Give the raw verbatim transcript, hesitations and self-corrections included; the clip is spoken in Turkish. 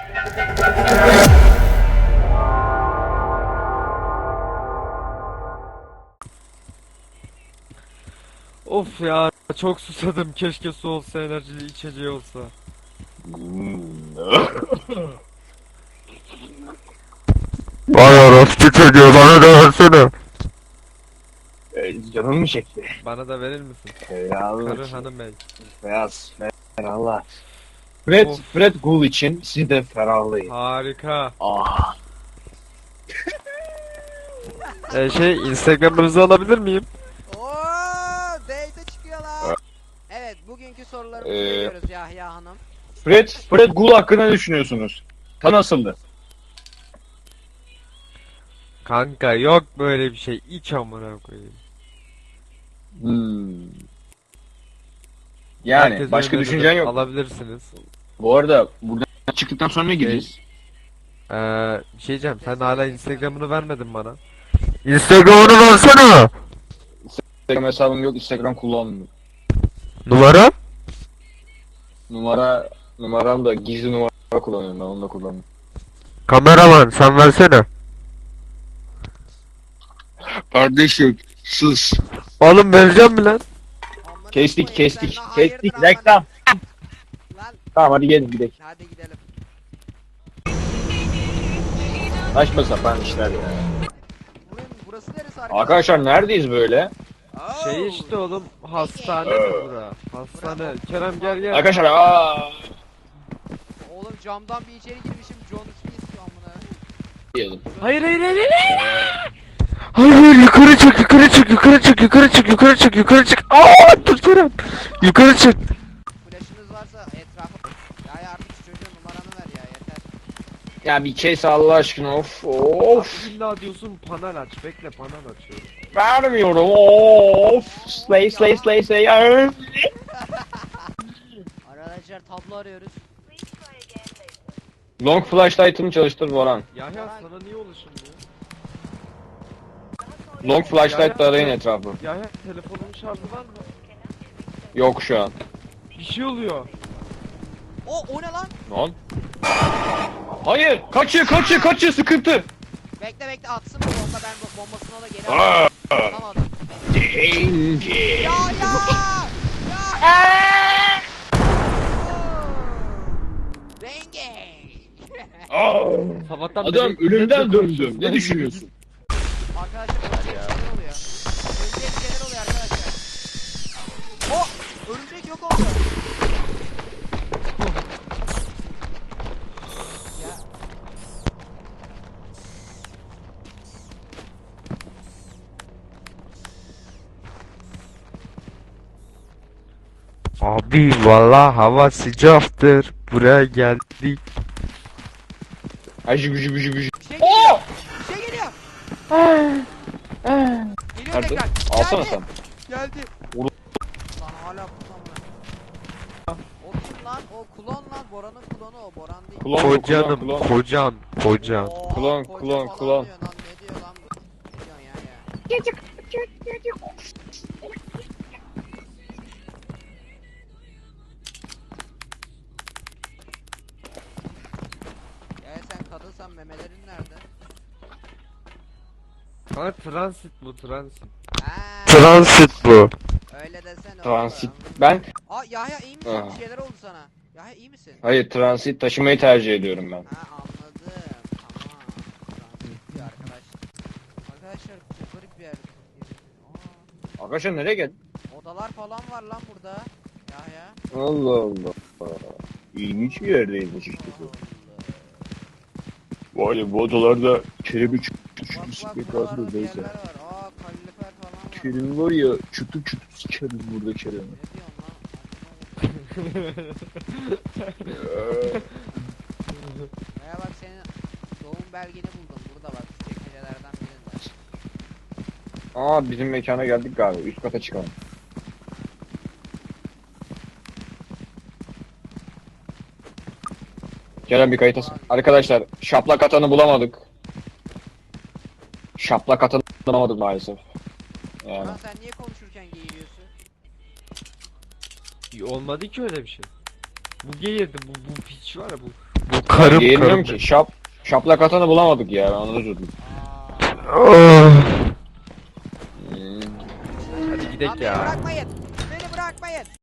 Of ya, çok susadım. Keşke su olsa, enerjili içeceği olsa. Vay orospu çocuğu, bana da versene. Ee, Canım mı çekti? Bana da verir misin? Eyvallah. Karı hanım bey. Beyaz. Ferallah. Fred, Of. Fred Gul için siz de ferahlayın. Harika. Ah. Ee, şey, Instagram'ınızı alabilir miyim? Oo, date çıkıyorlar. Evet, bugünkü sorularımızı Ee, veriyoruz Yahya Hanım. Fred, Fred Gul hakkında ne düşünüyorsunuz? Ta nasıldı? Kanka yok böyle bir şey. İç amına koyayım. Hmm. Yani Herkese başka öneririm. düşüncen yok. Alabilirsiniz. Bu arada buradan çıktıktan sonra ne gideceğiz? Ee, bir şey diyeceğim. Sen hala Instagram'ını vermedin bana. Instagram'ını versene. Instagram hesabım yok, Instagram kullanmıyorum. Numara? Numara, numaram da gizli numara kullanıyorum, ben onu da kullanıyorum. Kameraman sen versene. Kardeşim sus. Oğlum vereceğim mi lan? Amına Kestik koyayım, kestik sen de hayırdır kestik amına- reklam. Lan Tamam hadi gelin gidelim. hadi gidelim. Saçma sapan işler ya. Burası, burası neresi arkadaşlar? Arkadaşlar neredeyiz böyle? Oo. Şey işte oğlum, hastane mi bura? Hastane. Kerem gel gel. Arkadaşlar aa. Oğlum camdan bir içeri girmişim, John Smith amına. Diyelim. Hayır hayır hayır. hayır. Hayır, yukarı çık, yukarı çık, yukarı çık, yukarı çık, yukarı çık, yukarı çık. Aa, tut Kerem. Yukarı çık. Flaşınız varsa etrafa... Ya artık şu çocuğun numaranı ver ya, yeter. Ya bir kes Allah aşkına of of. Of. İlla diyorsun panel aç. Bekle, panel açıyorum. Vermiyorum of. Slay slay slay slay. Arr. Arkadaşlar tablo arıyoruz. Long flashlight'ını çalıştır Boran. Yahya sana niye ulaşılmıyor? Long flashlight'la arayın etrafı. Yahya telefonun şarjı var mı? Yok şu an. Bir şey oluyor. O, o ne lan? Lan. Hayır kaçıyor kaçıyor kaçıyor sıkıntı. Bekle bekle atsın bu bomba, ben bu bombasını da geri alayım. Alamadım. Danger. Ya ya! Ya! Renge! Aa. Sabahtan Adam beri- ölümden döndüm. Ne düşünüyorsun? Arkadaşlar örümcek şeyler oluyor. Örümcek şeyler oluyor arkadaşlar. O! Örümcek yok oldu. Ya. Abi valla hava sıcaktır. Buraya geldik. Ajı gücü gücü gücü. Bir şey geliyor. Bir şey geliyor. Geliyor Nerede? tekrar. Alsana Geldi. sen. Geldi. Vur. Lan hala kullanmıyor. O kim lan? O klon lan. Boran'ın klonu o. Boran değil. Klon, klon, Kocanım, klon. kocan, kocan. Oha, Klon, koca klon, falan klon. diyor lan. Ne diyor lan bu? Ne diyorsun ya ya? Ya sen kadınsan memelerin nerede? Ha, transit bu, transit. Ha, Transit bu. öyle desene Transit. oğlum. Ben Aa Yahya iyi misin? Aa. Bir şeyler oldu sana. Yahya iyi misin? hayır transit taşımayı tercih ediyorum ben. Ha anladım. Tamam. Transit diyor arkadaş. Arkadaşlar çok garip bir yer. Aa, Arkadaşlar nereye geldin? odalar falan var lan burada. Yahya. Allah Allah. İlginç bir yerdeymiş işte bu. Vay be bu odalarda Kerem'i çıtı Bak çıtı bak sikmek buralarda lazım bir da yerler neyse. var. Aa kalorifer falan var. Kerem var ya çıtı çıtı sikeriz burada Kerem'i. Ne diyorsun lan? Veya bak senin doğum belgeni buldum. Burada bak şu çekmecelerden birinde. Aa bizim mekana geldik galiba. Üst kata çıkalım. Kerem bir kayıtasın. Arkadaşlar şaplak atanı bulamadık. Şaplak atanı bulamadık maalesef. Yani. Lan sen niye konuşurken geğiriyorsun? Olmadı ki öyle bir şey. Bu geğirdi, bu, bu piç var ya bu. Bu karım Giyinmiyorum karım. ki. Şap, şaplak atanı bulamadık ya. Ben onu üzüldüm. Oh. Hmm. Hadi Lan gidelim beni ya. bırakmayın. Beni bırakmayın.